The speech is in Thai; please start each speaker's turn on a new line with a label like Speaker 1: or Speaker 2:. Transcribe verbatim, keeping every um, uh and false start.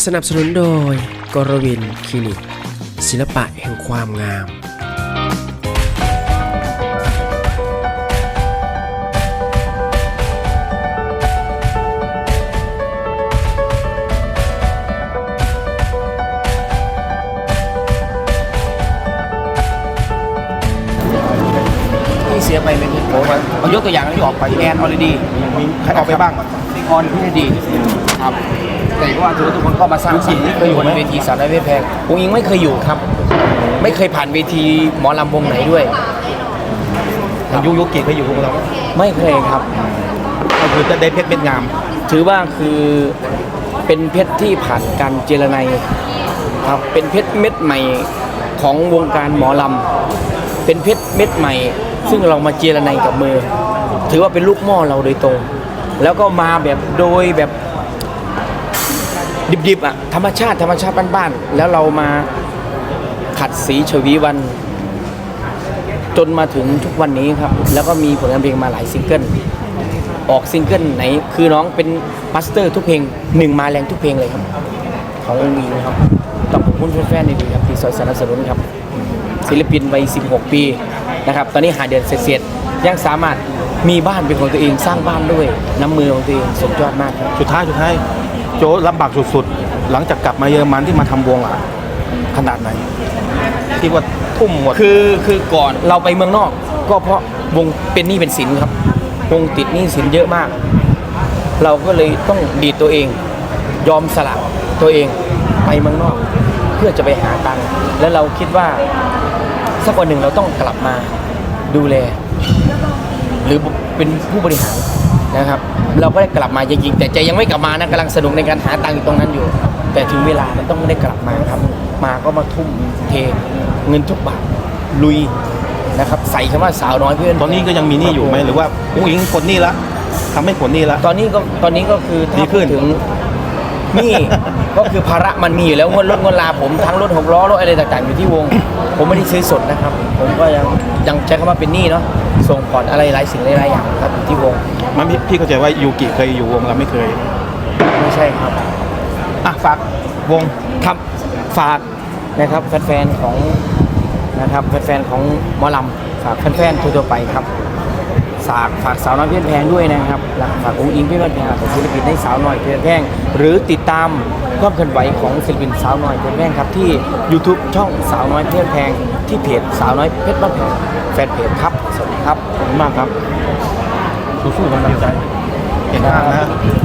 Speaker 1: สนับสนุนโดยกรวินคลินิกศิลปะแห่งความงาม
Speaker 2: ที่เสียไปเป็นโอ้โหเอายกตัวอย่างที่ออกไปแอนออลดีมีใครออกไปบ้างออนพิธดีครับแต่ว่าถือทุกคนก็มาสร้างสิ่งที่เคยอยู่บนเวทีสาวน้อยเพชรแพงผมยังไม่เคยอยู่ครับไม่เคยผ่านเวทีหมอลำวงไหนด้วยยุยุกิเคยอยู่วงเราไม่เคยครับก็คือจะได้เพชรเม็ดงามถือว่าคือเป็นเพชรที่ผ่านการเจรไนครับเป็นเพชรเม็ดใหม่ของวงการหมอลำเป็นเพชรเม็ดใหม่ซึ่งเรามาเจรไนกับมือถือว่าเป็นลูกหม้อเราโดยตรงแล้วก็มาแบบโดยแบบดิบๆอ่ะธรรมชาติธรรมชาติบ้านๆแล้วเรามาขัดสีชวีวันจนมาถึงทุกวันนี้ครับแล้วก็มีผลงานเพลงมาหลายซิงเกิลออกซิงเกิลไหนคือน้องเป็นมาสเตอร์ทุกเพลงหนึ่งมาแรงทุกเพลงเลยครับขององค์อิงครับต้องขอบคุณแฟนๆดีๆครับที่สนับสนุนครับศิลปินวัยสิบหกปีนะครับตอนนี้หาเดือนเสร็จๆยังสามารถมีบ้านเป็นของตัวเองสร้างบ้านด้วยน้ำมือของตัวเองสุดยอดมากครับ
Speaker 3: สุดท้ายสุดท้ายโจลำบากสุดๆหลังจากกลับมาเยอรมันที่มาทำวงอ่ะขนาดไหนที่ว่าทุ่มหมด
Speaker 2: คือคือก่อนเราไปเมืองนอกก็เพราะวงเป็นหนี้เป็นสินครับวงติดหนี้สินเยอะมากเราก็เลยต้องดีดตัวเองยอมสละตัวเองไปเมืองนอกเพื่อจะไปหาตังค์แล้วเราคิดว่าสักวันหนึ่งเราต้องกลับมาดูแลหรือเป็นผู้บริหารนะครับเราก็ได้กลับมาจริงๆแต่ใจยังไม่กลับมานะกำลังสนุกในการหาตังค์อยู่ตรงนั้นอยู่แต่ถึงเวลามันต้องได้กลับมาครับมาก็มาทุ่มเทเงินทุกบาทลุยนะครับใส่คำว่าสาวน้อยเพื่อน
Speaker 3: ตอนนี้ก็ยังมีหนี้อยู่ไหมหรือว่าผู้หญิงผลหนี้ละทำให้ผลหนี้ละ
Speaker 2: ตอนนี้ก็ตอนนี้ก็คือถ้า
Speaker 3: ดีขึ้น
Speaker 2: ถึงนี่ก็คือภาระมันมีอยู่แล้วงวดรถงวดลาผมทั้งรถหกล้อรถอะไรต่างๆอยู่ที่วงผมไม่ได้ซื้อสดนะครับผมก็ยังยังใช้คำว่าเป็นหนี้เนาะส่งผ่อนอะไรหลายสิ่งหลายอย่างครับอยู่ที่วง
Speaker 3: มันพี่พี่เข้าใจว่ายูกิเคยอยู่วงเราไม่เคย
Speaker 2: ไม่ใช่ครับ
Speaker 3: อ่ะฝากวง
Speaker 2: ครับฝากนะครับแฟนๆของนะครับแฟนๆของหมอลำฝากแฟนๆทั่วๆไปครับฝากฝากสาวน้อยเพชรแพงด้วยนะครับฝากองค์อิงเพชรแพงของศิลปินให้สาวน้อยเพชรแพงหรือติดตามความเคลื่อนไหวของศิลปินสาวน้อยเพชรแพงครับที่ YouTube ช่องสาวน้อยเพชรแพงที่เพจสาวน้อยเพชรบ้านแพงแฟนเพจครับสวัสดีครับขอบคุณมากครับ
Speaker 3: สู้ๆกำลังใจเห็นภาพนะ